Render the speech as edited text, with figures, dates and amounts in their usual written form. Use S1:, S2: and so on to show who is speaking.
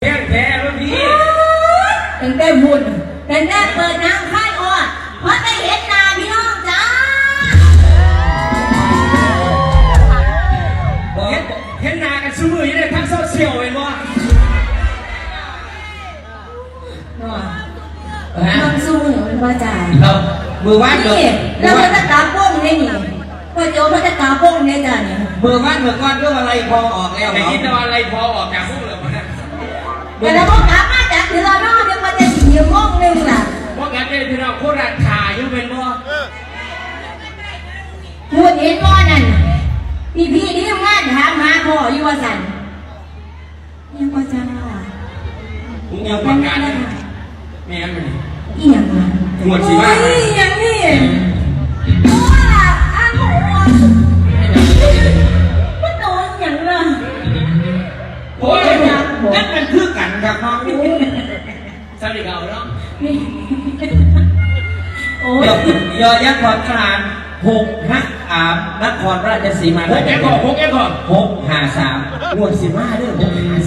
S1: แค่แค่แล้วพี่
S2: ตั้งแต่บุญตั้งแต่เปิดน้ำค่ายอ้อเพราะได้เห็นหน้าพี่น้องจ้า
S1: เห็นหน้ากันซื้อมือยังได้ทั้งโซเชียลเห็นบ่
S2: น้องสู้เหรอมันว่าจ่าย
S1: มือวาด
S2: นี่แล้วมันจะกาป้งได้นี่พอโจมันจะกาป้งได้จ้าเนี่ย
S1: มือวาดมือก้อนเรื่องอะไรพอออกแล้วไอ้ที่อะไรพอออกจากพวกเหลือมัน
S2: แต่เราก็กามาจากที่เราเนาะเดี๋ยวมันจะสีม่วงนึงล่ะ
S1: เพราะงั้นเนี่ยที่เราโคตรขาอยู่เป็นบ่
S2: พูดเห็นบ่นั่นพี่นี่ทำงานถามหาพ่ออยู่ว่าสันยังว่าจ้า
S1: ผมยังประกาศแม่มัน
S2: อีหยังวะ
S1: หมดสิว่า
S2: อีหยังนี่ว้าอ้าวมันโดนหยังล่ะ
S1: โอ้ยนั่นมันคือกันครับน้องสวัสดีครับน้อง
S2: โอ้ย
S1: ยอยักษ์ขอนคลาน6 นครราชสีมา
S2: 6
S1: 653งวด15เรื่อง653